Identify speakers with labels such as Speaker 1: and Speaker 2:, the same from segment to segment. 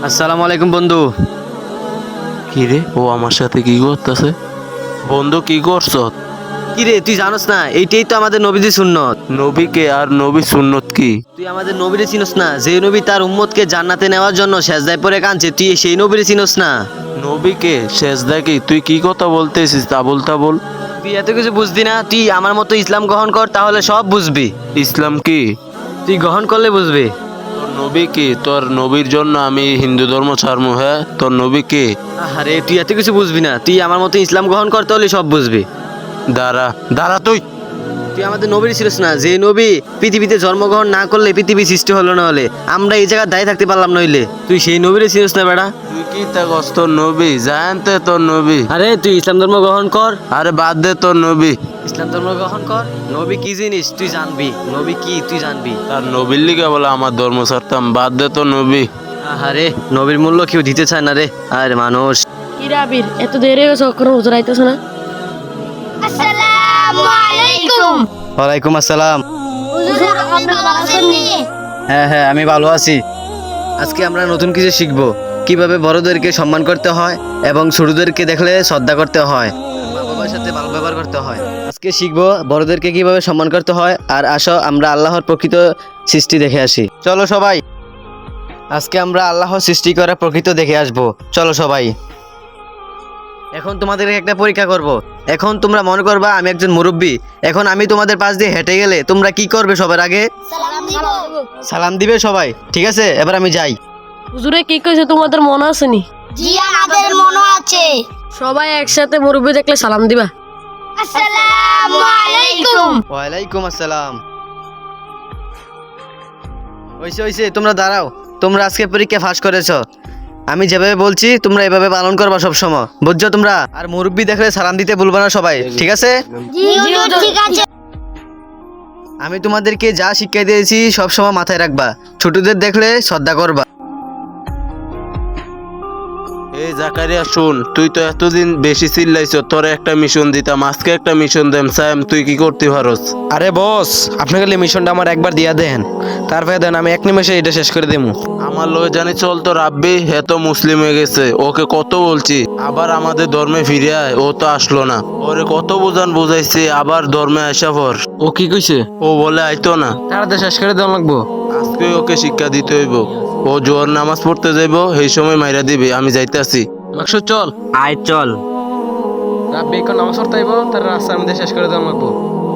Speaker 1: আসসালামু আলাইকুম বন্ধু।
Speaker 2: কি রে, ও আমার সাথে কি করতেছে? বন্ধু কি করছ?
Speaker 1: কি রে, তুই জানোস না এইটাই তো আমাদের নবীদের সুন্নত।
Speaker 2: নবীকে আর নবী সুন্নত কি?
Speaker 1: তুই আমাদের নবীরে চিনোস না? যে নবী তার উম্মতকে জান্নাতে নেওয়ার জন্য সেজদায় পড়ে কাঁদছে, তুই সেই নবীরে চিনোস না?
Speaker 2: নবীকে সেজদা কি? তুই কি কথা বলতেছিস তাবল তাবল?
Speaker 1: তুই এত কিছু বুঝবি না? তুই আমার মতো ইসলাম গ্রহণ কর, তাহলে সব বুঝবি।
Speaker 2: ইসলাম কি?
Speaker 1: তুই গ্রহণ করলে বুঝবি।
Speaker 2: তোর নবী কি? তোর নবীর জন্য আমি হিন্দু ধর্ম ছাড়মু? হ্যাঁ, তোর নবী কি?
Speaker 1: আরে তুই এত কিছু বুঝবি না, তুই আমার মতো ইসলাম গ্রহণ কর, তাহলে সব বুঝবি।
Speaker 2: দাঁড়া দাঁড়া,
Speaker 1: তুই আমাদের নবীর ছিলিস না? যে নবী পৃথিবীতে জন্মগ্রহণ না করলে পৃথিবী সৃষ্টি হলো না, হলে আমরা এই জায়গায় দাঁড়িয়ে থাকতে পারলাম নইলে। তুই সেই নবীরে ছিলিস না বেটা?
Speaker 2: তুই কি থাকস? তোর নবী জানতে তোর নবী?
Speaker 1: আরে তুই ইসলাম ধর্ম গ্রহণ কর।
Speaker 2: আরে বাদ দে তোর নবী।
Speaker 1: ইসলাম ধর্ম গ্রহণ কর। নবী কি জিনিস তুই জানবি, নবী কি তুই জানবি।
Speaker 2: তার নবীর লিগে বলে আমার ধর্ম ছাড়তাম? বাদ দে তোর নবী।
Speaker 1: আরে নবীর মূল্য কেউ দিতে চায় না রে। আরে মানুষ।
Speaker 3: কি রে আবির, এত দেরি হয়ে গেছে, কোনো হুজুর আইতেছে না?
Speaker 4: আসসালামু আলাইকুম।
Speaker 1: ওয়ালাইকুম আসসালাম।
Speaker 4: হুজুর আপনি ভালো আছেন নি?
Speaker 1: হ্যাঁ হ্যাঁ, আমি ভালো আছি। আজকে আমরা নতুন কিছু শিখবো, কিভাবে বড়দেরকে সম্মান করতে হয় এবং ছোটদেরকে দেখলে শ্রদ্ধা করতে হয়, মা বাবার সাথে ভালো ব্যবহার করতে হয়। আজকে শিখবো বড়দেরকে কিভাবে সম্মান করতে হয়। আর আসো আমরা আল্লাহর প্রকৃত সৃষ্টি দেখে আসি। চলো সবাই, আজকে আমরা আল্লাহর সৃষ্টি করা প্রকৃত দেখে আসবো। চলো সবাই। এখন তোমাদেরকে একটা পরীক্ষা করব। এখন তোমরা মনে করবা আমি একজন মুরব্বী। এখন আমি তোমাদের পাশ দিয়ে হেঁটে গেলে তোমরা কি করবে? সবার আগে
Speaker 4: সালাম দিব।
Speaker 1: সালাম দিবে সবাই, ঠিক আছে? এবার আমি যাই।
Speaker 3: হুজুরে কি কইছে তোমাদের মনে আছে নি?
Speaker 4: জি আমাদের মনে আছে।
Speaker 3: সবাই একসাথে মুরব্বি দেখলে সালাম দিবা।
Speaker 4: আসসালামু আলাইকুম।
Speaker 1: ওয়ালাইকুম আসসালাম। হইছে, তোমরা দাঁড়াও। তোমরা আজকে পরীক্ষা ফাঁস করেছো। আমি যেভাবে বলছি তোমরা এভাবে পালন করবা সব সময়, বুঝছো তোমরা? আর মুরব্বি দেখলে সালাম দিতে ভুলবা না সবাই, ঠিক আছে?
Speaker 4: জি হুজুর ঠিক আছে।
Speaker 1: আমি তোমাদেরকে যা শিক্ষা দিয়েছি সব সময় মাথায় রাখবা। ছোটদের দেখলে শ্রদ্ধা করবা।
Speaker 2: এই জাকারিয়া শুন, তুই তো এতদিন বেশি চিল্লাইছ, তোর একটা মিশন দিতাম, আজকে একটা মিশন দেম সাইম, তুই কি করতে পারস?
Speaker 5: আরে বস, আপনাকে মিশনটা আমার একবার দিয়া দেন, তারপরে দেন আমি এক নিমেষে এটা শেষ করে দেবো।
Speaker 2: আমার লগে জানি চল তো রাব্বি, হে তো মুসলিম হয়ে গেছে, ওকে কত বলছি আবার আমাদের ধর্মে ফিরে আয়, ও তো আসলো না। ওরে কত বুঝাইছি আবার ধর্মে আসা পর
Speaker 5: ও কি কইছে?
Speaker 2: ও বলে আইতো না।
Speaker 5: তাড়াতাড়ি শেষ করে দেওয়া লাগবো।
Speaker 2: আজকে ওকে শিক্ষা দিতে হইব। ও জোয়ার নামাজ পড়তে যাইব, সেই সময় মাইরা দিবি। আমি যাইতাছি।
Speaker 5: মাকসুদ চল।
Speaker 1: আয় চল।
Speaker 5: রাব্বি এখন নামাজ পড়তে আইব, তার রাস্তার মধ্যে শেষ করে দেওয়া লাগবো।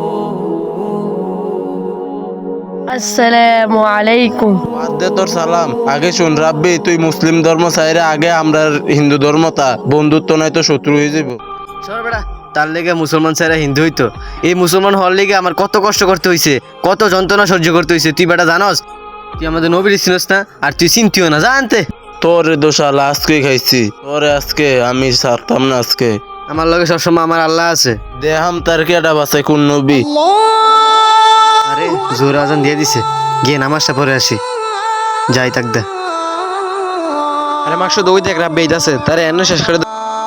Speaker 3: আসসালামু আলাইকুম।
Speaker 2: বাদ দে তোর সালাম। আগে শুন রাব্বি, তুই মুসলিম ধর্ম চাইরে আগে আমরা হিন্দু ধর্ম, তা বন্ধুত্ব নাই তো শত্রু হয়ে যাব।
Speaker 1: সর বেটা, তার লেগে মুসলমান ছেড়ে হিন্দু হইতো। এই মুসলমান হওয়ার লেগে আমার কত কষ্ট করতে হইছে, কত যন্ত্রণা সহ্য করতে হইছে। তুই বেটা জানস? তুই আমাদের নবীর চিনস না, আর তুই চিনতিও না, জানতে।
Speaker 2: তোর দোষাল আজকে খাইছি, তোরে আজকে আমি ছাড়তাম না আজকে।
Speaker 1: আমার লগে সবসময় আমার আল্লাহ আছে।
Speaker 2: দেহাম তার কেডা বাসাই কোন নবী?
Speaker 1: আরে জোর আজান দিয়ে দিছে, গিয়ে নামাজটা পড়ে আসি। যাই থাক দে।
Speaker 5: আরে মাকসুদ ওই দেখ, রাব্বি আইতাছে, তারে এনে শেষ করে দে।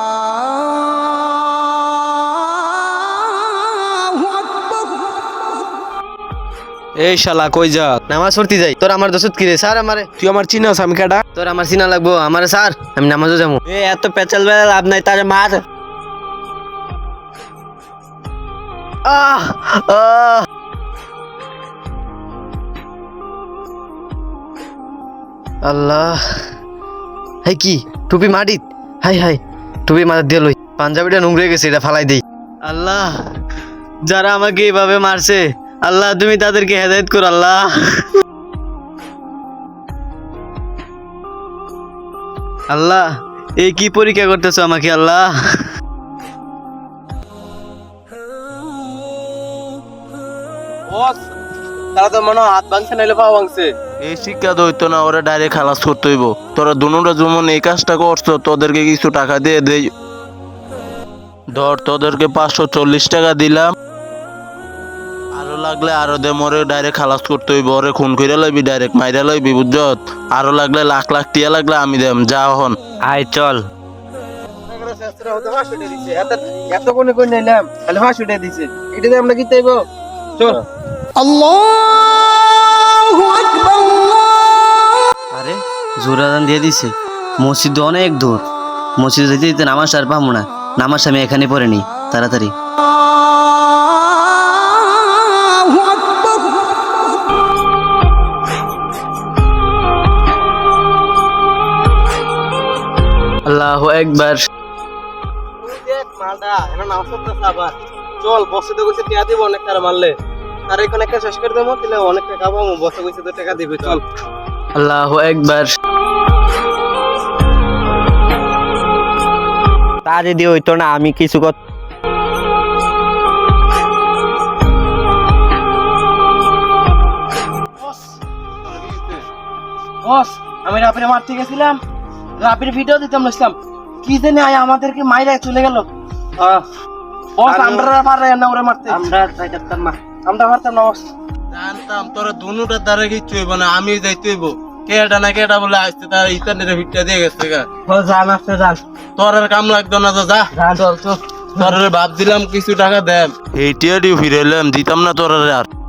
Speaker 5: এই শালা কই যা?
Speaker 1: নামাজ পড়তে যাই। তোর আমার দোষত কি রে? স্যার আমারে।
Speaker 5: তুই আমার চিনাস? আমি কেডা?
Speaker 1: তোর আমার চিনা লাগবো? আমারে স্যার, আমি নামাজও যাবো।
Speaker 5: এত পেঁচাল বেলা লাভ নাই, তারে মার।
Speaker 1: আহ আহ আল্লাহ, হাই কি টুপি মাটিত? হাই হাই, টুপি মাথার দিয়ে লই। পাঞ্জাবিটা নোংরে গেছে, এটা ফালাই দেই। আল্লাহ, যারা আমাকে এভাবে মারছে, আল্লাহ তুমি তাদেরকে হেদায়েত কর আল্লাহ। আল্লাহ, এই কি পরীক্ষা করতেছো আমাকে আল্লাহ?
Speaker 5: তারা তো মনে হয় হাত ভাঙছে, নাইলে পা ভাঙছে।
Speaker 2: এই শিক্ষা দইতো না, ওরা ডাইরেক্ট খালাস করতে হইব। তোরা দুনুরা যেমন এই কাজটা করছো, তোদেরকে কিছু টাকা দিয়ে দেই। ধর তোদেরকে 540 টাকা দিলাম, আরো লাগলে আরো দে। মরে ডাইরেক্ট খালাস করতে হইব, ওরে খুন কইরা লইবি, ডাইরেক্ট মাইরা লইবি, বুঝছত? আরো লাগলে লাখ লাখ টিয়া লাগলে আমি দেম। যা হন।
Speaker 1: আয় চল।
Speaker 5: এত কোনে কই নিলাম, খালি 500 টাকা দিছে, এটা দিয়ে আমরা কি চাইবো? চল।
Speaker 1: আরে জোর আজান দিয়ে দিছে। মসজিদ অনেক দূর, মসজিদে যেতে যেতে নামাজ আর পাবো না। নামাজ আমি এখানে পড়ে নি তাড়াতাড়ি। আল্লাহু আকবার।
Speaker 5: চল বসে তো কইছে টাকা দিব অনেক টাকা মারলে, তার এখানে একটা শেষ করে দেবো, তাহলে অনেক টাকা পাবো। বসে কইছে তো টাকা দিবে, চল।
Speaker 1: আল্লাহু আকবার।
Speaker 6: তা যদি হইতো না আমি কিছু
Speaker 5: বস, আমি রাপির মারতে গেছিলাম, রাপির ভিডিও দিতাম নছিলাম, কি জানি আয় আমাদেরকে মাইরা চলে গেল। বস আমরা পারে না ওরে মারতে, আমরা যাইতাম না, আমরা পারতাম না বস।
Speaker 2: জানতাম তোরা দুনুটার দ্বারা কিচ্ছু হইব না, আমি যাইতে হইব। কেটা না কেটা বলে আসতে তার ইন্টারনেটে ভিটটা দিয়ে গেছে গা।
Speaker 5: জান আসতে যান,
Speaker 2: তোর আর কাম লাগতো না তো, যা।
Speaker 5: চল চল।
Speaker 2: তোর ভাব দিলাম কিছু টাকা দেন, এইটিয়ারই ফিরে এলাম, দিতাম না তোর আর।